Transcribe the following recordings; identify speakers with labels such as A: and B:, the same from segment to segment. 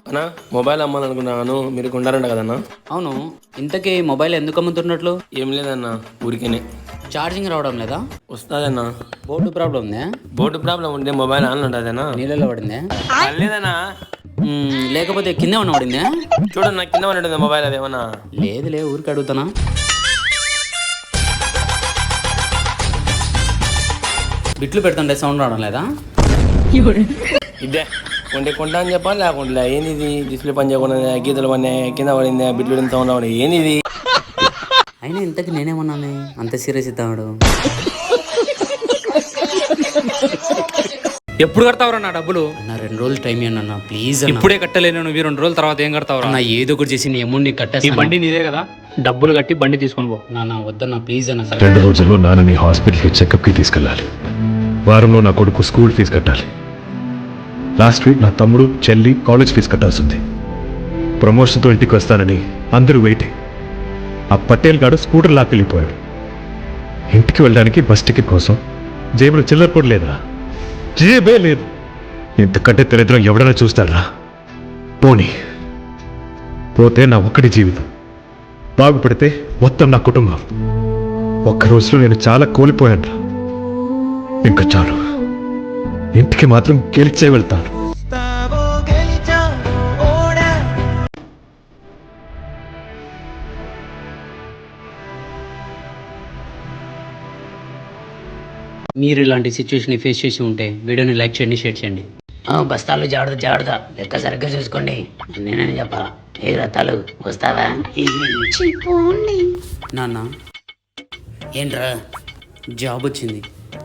A: అన్నా మొబైల్ అమ్మాలనుకున్నాను, మీరు కొంటారంట కదన్నా?
B: అవును, ఇంతకీ మొబైల్ ఎందుకు అమ్ముతున్నట్లు?
A: ఏం లేదన్నా, ఊరికేనే.
B: ఛార్జింగ్ రావడం లేదా?
A: వస్తుందన్నా.
B: బోర్డు ప్రాబ్లం ఉందా?
A: బోర్డు ప్రాబ్లం ఉంటే మొబైల్ ఆన్ ఉంటుందన్నా.
B: నీళ్ళలో పడిందా?
A: లేదన్నా.
B: లేకపోతే కింద ఉన్న పడిందా?
A: చూడన్నా, కింద ఉంటుంది మొబైల్, అదేమన్నా.
B: లేదులే, ఊరికి అడుగుతానా. బిట్లు పెడుతుంటే సౌండ్ రావడం లేదా?
A: ఇదే కొంటా అని చెప్పాలి, లేకుండా ఏంది ఇది? డిస్ప్లే పని చేయకుండా గీతలు పడినాయి, కింద పడింది, బిట్లు పడిన సౌండ్ రావడం ఏంది ఇది?
B: అయినా ఇంతకు నేనేమన్నాను, అంత సీరియస్ ఇద్దాడు.
C: ఎప్పుడు కడతావురా నా డబ్బులు?
B: అన్న 2 రోజులు టైం ఇవ్వండి అన్న, ప్లీజ్.
C: ఇప్పుడే కట్టలేను, నువ్వు 2 రోజుల తర్వాత ఏం కడతావురా?
B: అన్న ఏదో ఒకటి చేసి నీ అమౌంట్
C: ఈ
B: కట్టేసి.
C: బండి నీదే కదా, డబ్బులు కట్టి బండి తీసుకొని పో.
B: నాన్న వద్దన్న, ప్లీజ్ అన్న.
D: 2 రోజుల్లో నాన్నని హాస్పిటల్కి చెకప్కి తీసుకెళ్ళాలి. వారంలో నా కొడుకు స్కూల్ ఫీజు కట్టాలి. లాస్ట్ వీక్ నా తమ్ముడు చెల్లి కాలేజ్ ఫీజు కట్టాల్సి ఉంది. ప్రమోషన్తో ఇంటికి వస్తానని అందరూ వెయిటింగ్. ఆ పటేల్ గాడు స్కూటర్ లాక్కెళ్ళిపోయాడు. ఇంటికి వెళ్ళడానికి బస్ టికెట్ కోసం జేబులో చిల్లర కూడా లేదా? జేబే లేదు. ఇంతకంటే దరిద్రం ఎవడైనా చూస్తారా? పోనీ పోతే నా ఒక్కడి జీవితం, బాగుపడితే మొత్తం నా కుటుంబం. ఒక్క రోజులో నేను చాలా కోల్పోయాను. ఇంకా చాలు, ఇంటికి మాత్రం గెలిచే వెళ్తాను.
B: మీరు ఇలాంటి సిచ్యువేషన్ ఫేస్ చేసి ఉంటే వీడియోని లైక్ చేయండి, షేర్ చేయండి.
E: బస్తాలు జాగ్రత్త లెక్క సరిగ్గా చూసుకోండి. నేనని చెప్పాలా? ఏ రత్తాలు వస్తావా?
B: నాన్న
E: ఏంట్రా?
B: జాబ్ వచ్చింది.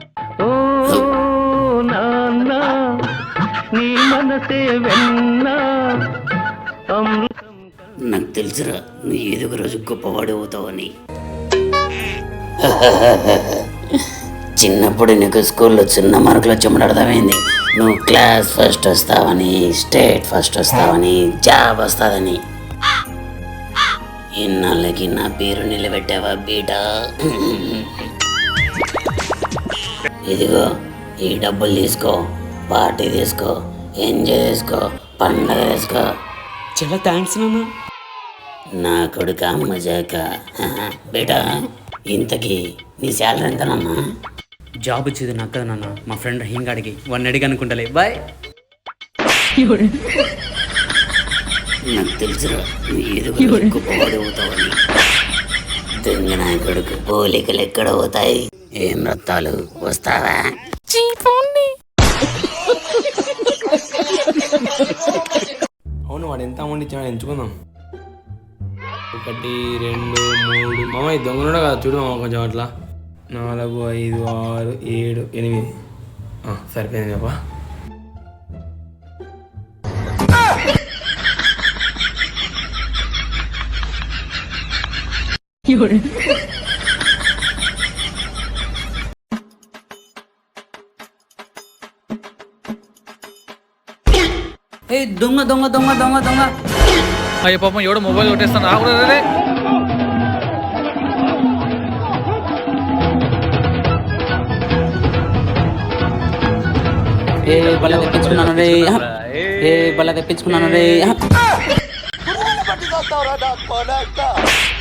E: నాకు తెలుసురా, నువ్వు ఏదో ఒక రోజు గొప్పవాడు అవుతావని. చిన్నప్పుడు నీకు స్కూల్లో చిన్న మార్కులు చెమడర్థమైంది. నువ్వు క్లాస్ ఫస్ట్ వస్తావని, స్టేట్ ఫస్ట్ వస్తావని, జాబ్ వస్తాదని. ఇన్నాళ్ళకి నా పేరు నిలబెట్టావా బీటా? ఇదిగో ఈ డబ్బులు తీసుకో, పార్టీ తీసుకో, ఎంజాయ్ చేసుకో, పండగ చేసుకో.
B: చాలా థ్యాంక్స్ నాన్న.
E: నా కొడుక మజాక. బేటా, ఇంతకీ నీ శాలరీ ఎంతనమ్మా?
B: జాబ్ వచ్చేది నాకు కదా నాన్న, మా ఫ్రెండ్ రహీం గాడికి 1 అడిగి అనుకుంటలే. బాయ్.
E: నాకు తెలుసురా, నువ్వు ఏదో ఒక గొప్పవాడు అవుతావని. దొంగ నా కొడుకు, పోలికలు ఎక్కడ పోతాయి? ఏం రత్తాలు వస్తావా?
A: అవును, వాడు ఎంత అమౌంట్ ఇచ్చాడు ఎంచుకుందాం. 1 2 3 మామ, ఈ దొంగలు కదా, చూడు మామ కొంచెం అట్లా. 4 5 6 7 8. సరిపోయింది చెప్పా.
B: ఏ దొంగ దొంగ దొంగ దొంగ దొంగ.
C: అయ్యో పాపం, ఎవడో మొబైల్ కొట్టేస్తాను. రాకూడదు.
B: బల్ల తెప్పించుకున్నాను రే.